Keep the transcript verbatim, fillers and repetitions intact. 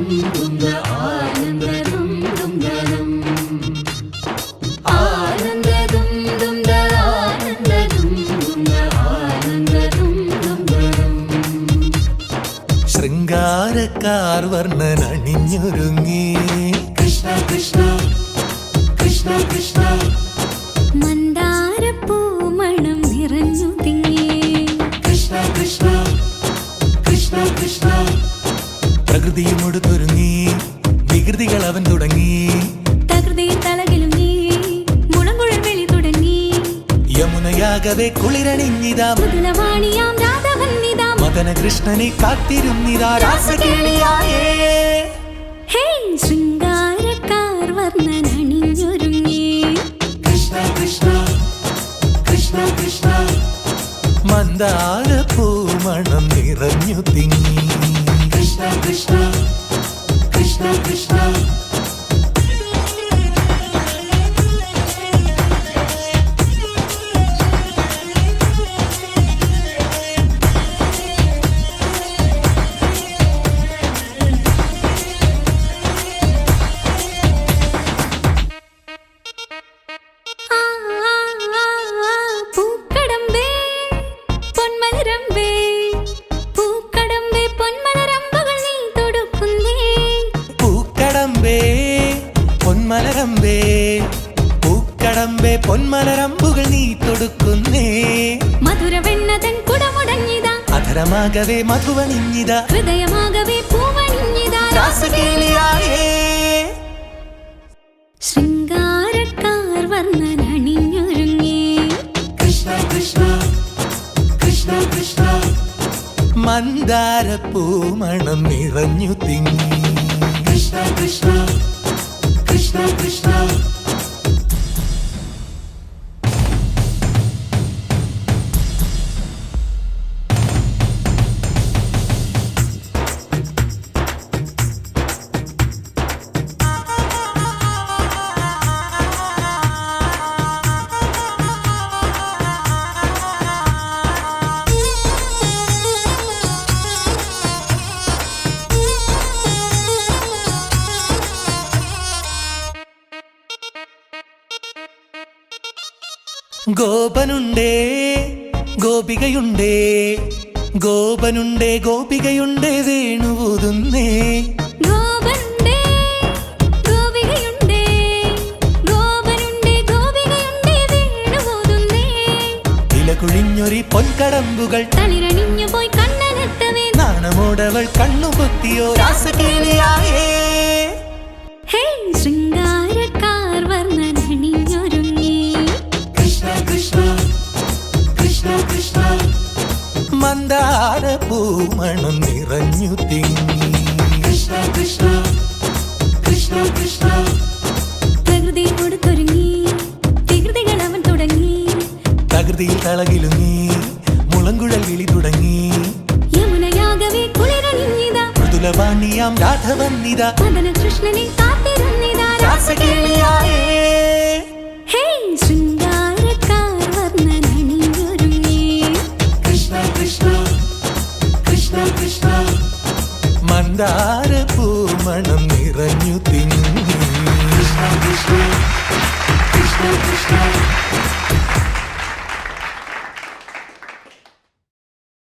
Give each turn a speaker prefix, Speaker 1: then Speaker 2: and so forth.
Speaker 1: ദുംദ ആനന്ദ ദും ദുംദരം ആനന്ദ ദും ദുംദ ആനന്ദ ദും ദുംദ ആനന്ദ ദും ദുംദരം
Speaker 2: ശൃംഗാരക്കാർ വർണ്ണൻ അണിഞ്ഞൊരുങ്ങി
Speaker 1: കൃഷ്ണ കൃഷ്ണ കൃഷ്ണ കൃഷ്ണ
Speaker 3: മന്ദാരപ്പൂമണം നിറഞ്ഞു തിങ്ങി
Speaker 1: കൃഷ്ണ കൃഷ്ണ കൃഷ്ണ കൃഷ്ണ
Speaker 2: പ്രകൃതിയുമൊടുത്തൊരുങ്ങി വികൃതികൾ അവൻ തുടങ്ങി
Speaker 3: തകൃതിയിൽ തലകിലും നീ മുളങ്കുഴൽ വെളി തുടങ്ങി
Speaker 2: യമുനയാകവെ കുളിരണിഞ്ഞിതാ
Speaker 3: മൃദുലവാണിയാം രാധവന്നിതാ
Speaker 2: മദന കൃഷ്ണനെ കാത്തിരുന്നിതാ രാസകേളിയായേ
Speaker 3: ഹേ ശൃംഗാരക്കാർ വർണ്ണൻ അണിഞ്ഞൊരുങ്ങി
Speaker 1: കൃഷ്ണ കൃഷ്ണ കൃഷ്ണ കൃഷ്ണ
Speaker 2: മന്ദാരപ്പൂമണം നിറഞ്ഞു തിങ്ങി
Speaker 1: കൃഷ്ണ കൃഷ്ണ കൃഷ്ണ കൃഷ്ണ
Speaker 3: ആ, ആ, ആ, ആ, പൂക്കടമ്പേ പൊന്മലരമ്പേ പൂക്കടമ്പേ പൊന്മലരമ്പുകൾ നീ തൊടുക്കുന്നേ
Speaker 2: പൂക്കടമ്പേ പൊന്മലരമ്പേ പൂക്കടമ്പേ പൊന്മലരമ്പുകൾ നീ തൊടുക്കുന്നേ
Speaker 3: മധുരവെണ്ണതൻ കുടമുടങ്ങിതാ
Speaker 2: അധരമാകവേ മധുവണിഞ്ഞിതാ
Speaker 3: ഹൃദയമാകവേ പൂവണിഞ്ഞിതാ
Speaker 2: രാസകേളിയായേ
Speaker 3: ശൃംഗാരക്കാർ വർണ്ണൻ അണിഞ്ഞൊരുങ്ങി
Speaker 1: കൃഷ്ണ കൃഷ്ണ കൃഷ്ണ കൃഷ്ണ
Speaker 2: മന്ദാരപ്പൂമണം നിറഞ്ഞു തിങ്ങി
Speaker 1: കൃഷ്ണ കൃഷ്ണ കൃഷ്ണ കൃഷ്ണ
Speaker 2: ഗോപനുണ്ടേ ഗോപികയുണ്ടേ ഗോപനുണ്ടേ ഗോപികയുണ്ടേ വേണുവൂതുന്നേ
Speaker 3: ഗോപനുണ്ടേ ഗോപികയുണ്ടേ ഗോപനുണ്ടേ ഗോപികയുണ്ടേ വേണുപോതുന്നേ
Speaker 2: ഇലകുഴിഞ്ഞൊരി പൊൻകടമ്പുകൾ
Speaker 3: തളിരണിഞ്ഞു പോയി കണ്ണനെത്തവേ
Speaker 2: നാണമോടവൾ കണ്ണുപൊത്തിയോ രാസകേളിയായേ
Speaker 3: ഹേ ശൃംഗാരക്കാർ വർണ്ണൻ അണിഞ്ഞൊരുങ്ങി
Speaker 1: കൃഷ്ണ കൃഷ്ണ കൃഷ്ണ കൃഷ്ണ
Speaker 2: മന്ദാരപ്പൂമണം നിറഞ്ഞു തിങ്ങി
Speaker 1: കൃഷ്ണ കൃഷ്ണ കൃഷ്ണ കൃഷ്ണ
Speaker 3: പ്രകൃതിയോട് തുടങ്ങി വികൃതികൾ അവൻ തുടങ്ങി
Speaker 2: തകൃതിയിൽ തളകിലുങ്ങി മുളങ്കുഴൽ വിളി തുടങ്ങി
Speaker 3: യമുനയാകവേ കുളിരണിഞ്ഞിതാ
Speaker 2: മൃദുലവാണിയാം രാധവന്നിതാ
Speaker 3: മദന കൃഷ്ണനെ കാത്തിരുന്നിതാ
Speaker 2: രാസകേളിയായേ
Speaker 3: ഹേ ശൃംഗാരക്കാർ വർണ്ണൻ അണിഞ്ഞൊരുങ്ങി
Speaker 1: കൃഷ്ണ കൃഷ്ണ കൃഷ്ണ കൃഷ്ണ
Speaker 2: മന്ദാരപ്പൂമണം നിറഞ്ഞു തിങ്ങി
Speaker 1: കൃഷ്ണ കൃഷ്ണ കൃഷ്ണ കൃഷ്ണ